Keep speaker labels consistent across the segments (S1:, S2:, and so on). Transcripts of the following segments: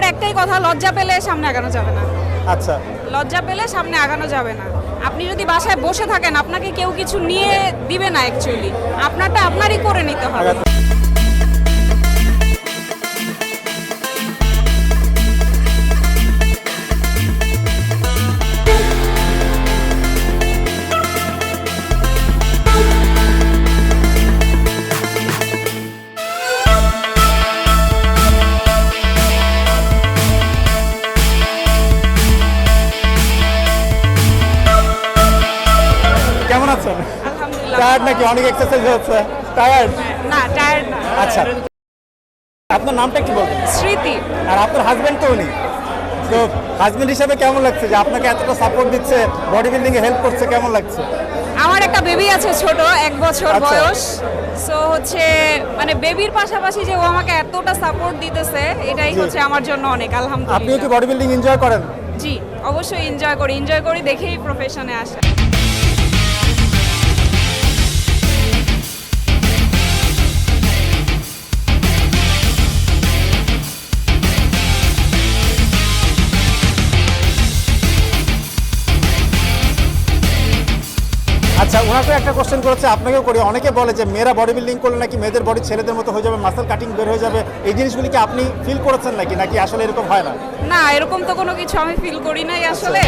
S1: একটাই কথা, লজ্জা পেলে সামনে আগানো যাবে না।
S2: আচ্ছা,
S1: লজ্জা পেলে সামনে আগানো যাবে না। আপনি যদি বাসায় বসে থাকেন, আপনাকে কেউ কিছু নিয়ে দিবে না, অ্যাকচুয়ালি আপনারটা আপনারই করে নিতে হবে।
S2: কেমন আছেন?
S1: আলহামদুলিল্লাহ।
S2: টায়ার্ড নাকি? অনেক এক্সারসাইজ হচ্ছে, টায়ার্ড?
S1: না, টায়ার্ড না।
S2: আচ্ছা, আপনার নামটা একটু বলবেন?
S1: স্মৃতি।
S2: আর আপনার হাজবেন্ড তো উনি, তো হাজবেন্ড হিসাবে কেমন লাগছে যে আপনাকে এতটা সাপোর্ট দিচ্ছে, বডি বিল্ডিং এ হেল্প করছে, কেমন লাগছে?
S1: আমার একটা বেবি আছে, ছোট 1 বছর
S2: আচ্ছা।
S1: বয়স। সো হচ্ছে মানে বেবির পাশাপাশি যে ও আমাকে এতটা সাপোর্ট দিতেছে, এটাই
S2: জি।
S1: হচ্ছে আমার জন্য অনেক,
S2: আপনিও কি
S1: আলহামদুলিল্লাহ।
S2: বডি বিল্ডিং এনজয় করেন?
S1: জি, অবশ্যই এনজয় করি দেখেই প্রফেশনে আসা।
S2: আচ্ছা, ওনাকে একটা কোশ্চেন করেছে, আপনাকেও করি। অনেকে বলে যে মেয়েরা বডি বিল্ডিং করলে নাকি মেয়েদের বডি ছেলেদের মতো হয়ে যাবে, মাসেল কাটিং বের হয়ে যাবে। এই জিনিসগুলি কি আপনি ফিল করেছেন নাকি আসলে এরকম হয় না?
S1: না, এরকম তো কোনো কিছু আমি ফিল করি নাই আসলে।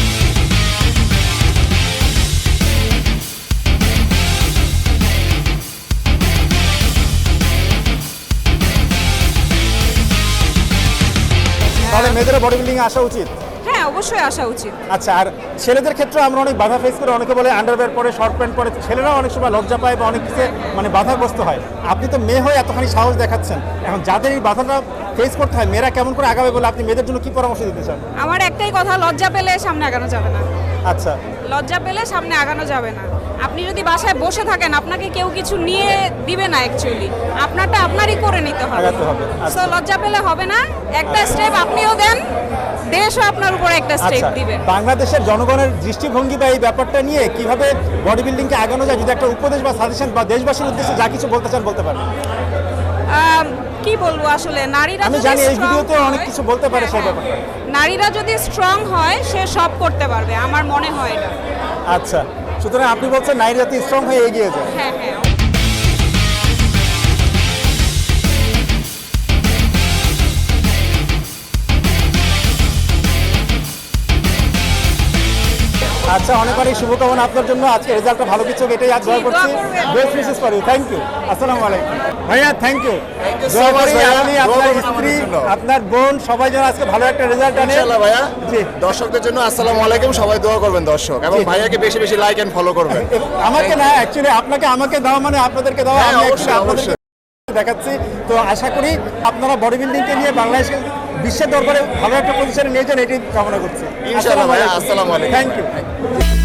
S2: তাহলে মেয়েদের বডি বিল্ডিং এ আসা উচিত।
S1: হ্যাঁ, অবশ্যই আসা উচিত।
S2: আচ্ছা, আর ছেলেদের ক্ষেত্রে আমরা অনেক বাধা ফেস করি। অনেকে বলে আন্ডারওয়্যার পরে, শর্ট প্যান্ট পরে, ছেলেরাও অনেক সময় লজ্জা পায় বা অনেক কিছু মানে বাধাগ্রস্ত হয়। আপনি তো মেয়ে হয়ে এতখানি সাহস দেখাচ্ছেন, এখন যাদের এই বাধাটা ফেস করতে হয়, মেয়েরা কেমন করে আগাবে বলে আপনি মেয়েদের জন্য কি পরামর্শ দিতে চান?
S1: আমার একটাই কথা, লজ্জা পেলে সামনে আগানো যাবে না।
S2: আচ্ছা,
S1: লজ্জা পেলে সামনে আগানো যাবে না। আপনি যদি বাসায় বসে থাকেন, আপনাকে কেউ কিছু নিয়ে দিবে না, অ্যাকচুয়ালি আপনারটা আপনারই করে নিতে হবে।
S2: আগাতে হবে।
S1: সো লজ্জা পেলে হবে না। একটা স্টেপ আপনিও দেন, দেশও আপনার উপরে একটা স্টেপ
S2: আচ্ছা,
S1: দিবে।
S2: বাংলাদেশের জনগণের দৃষ্টিভঙ্গি বা এই ব্যাপারটা নিয়ে কিভাবে বডি বিল্ডিংকে আগানো যায়, যদি একটা উপদেশ বা সাজেশন বা দেশবাসীর উদ্দেশ্যে যা কিছু বলতে চান বলতে পারেন।
S1: কি বলবো আসলে, নারীরা
S2: আমি
S1: যদি
S2: জানি এই
S1: strong
S2: ভিডিওতে অনেক
S1: হয়-
S2: কিছু বলতে পারে সেই
S1: হ্যাঁ,
S2: ব্যাপারে।
S1: নারীরা যদি স্ট্রং হয়, সে সব করতে পারবে, আমার মনে হয় এটা।
S2: আচ্ছা, সুতরাং আপনি বলছেন নারী জাতি স্ট্রং হয়ে এগিয়ে যায়।
S1: হ্যাঁ হ্যাঁ।
S2: আচ্ছা, অনেক অনেক শুভকামনা আপনার জন্য। আজকে রেজাল্টটা ভালো কিছু, এটাই আজ দোয়া
S1: জি,
S2: করছি।
S1: দোয়া করবেন।
S2: Best wishes for you. Thank you. আসসালামু আলাইকুম ভাইয়া, থ্যাংক ইউ।
S3: so much ভাইয়া।
S2: আপনি,
S3: দোয়া
S2: আপনার
S3: করবেন
S2: স্ত্রী,
S3: আমাদের জন্য।
S2: আপনার বোন সবাই যেন আজকে ভালো একটা রেজাল্ট আনে।
S3: ইনশাআল্লাহ ভাইয়া।
S2: জি।
S3: দর্শকদের জন্য আসসালামু আলাইকুম, সবাই দোয়া করবেন দর্শক, এবং
S2: জি।
S3: ভাইয়াকে বেশি বেশি লাইক এন্ড ফলো করবেন।
S2: আমাকে না, অ্যাকচুয়ালি আপনাকে আমাকে দেওয়া মানে আপনাদেরকে দেওয়া।
S3: হ্যাঁ,
S2: আমি
S3: অবশ্যই,
S2: actually আপনাদেরকে দেখাচ্ছি। তো আশা করি আপনারা বডি বিল্ডিংকে নিয়ে বাংলাদেশকে বিশ্বের দরবারে ভালো একটা পজিশনে নিয়ে যান, এটাই কামনা করছি।
S3: ইনশাআল্লাহ ভাইয়া, আসসালামু আলাইকুম।
S2: Thank you.